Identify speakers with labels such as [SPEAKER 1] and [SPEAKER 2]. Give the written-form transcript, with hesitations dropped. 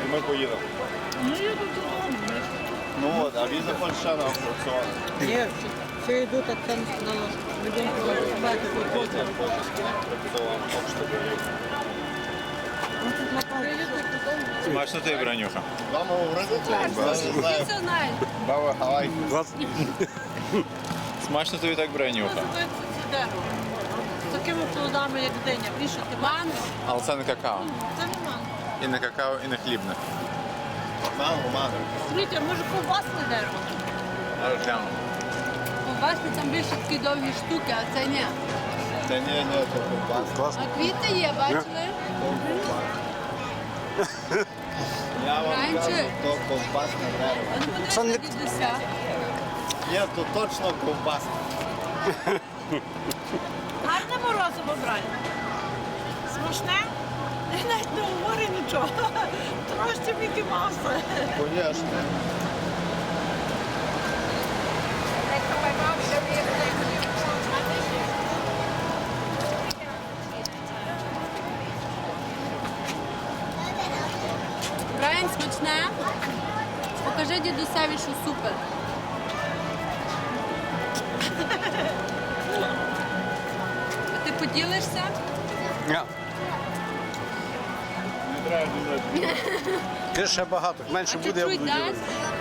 [SPEAKER 1] і ми поїдемо.
[SPEAKER 2] Ну, я тут додому.
[SPEAKER 1] Ну от, а він заходить ще на аукціон.
[SPEAKER 2] Ні, все йдуть, а це на нас. Будемо побачити тут.
[SPEAKER 1] Аукціон, хоч тобі.
[SPEAKER 3] Смачно тобі, Бранюха.
[SPEAKER 1] Вам говорити це? Я не знаю.
[SPEAKER 4] Все знаю.
[SPEAKER 1] Баба Гавай.
[SPEAKER 3] Смачно тобі так, Бранюха.
[SPEAKER 4] Це дерево. З такими плодами, як диня. Вішати манго.
[SPEAKER 3] Але це не какао.
[SPEAKER 4] Це не манго.
[SPEAKER 3] І не какао, і не хлібне.
[SPEAKER 1] Манго, манго.
[SPEAKER 4] Смотрите, може ковбасне дерево.
[SPEAKER 3] Зараз гляну.
[SPEAKER 4] Ковбасне там більше такі довгі штуки, а це ні.
[SPEAKER 1] Та ні, це ковбас.
[SPEAKER 4] А квіти є, бачили?
[SPEAKER 1] Я вам
[SPEAKER 4] Раніше.
[SPEAKER 1] кажу, то ковбасне дерево.
[SPEAKER 4] А ну подивіться на дідуся.
[SPEAKER 1] Ні, то точно ковбасне.
[SPEAKER 2] Гарне морозиво брати. Смачне? Я навіть не говорю нічого. Трошки Мікі Мауса.
[SPEAKER 1] Конечно.
[SPEAKER 4] Брайан, смачне. Покажи дідусеві, що супер. А ти поділишся?
[SPEAKER 5] Ні.
[SPEAKER 1] Не треба думати.
[SPEAKER 5] Ти ще багато. Менше
[SPEAKER 4] А
[SPEAKER 5] буде, я
[SPEAKER 4] чуть-чуть
[SPEAKER 5] буду
[SPEAKER 4] дай.
[SPEAKER 5] ділитися.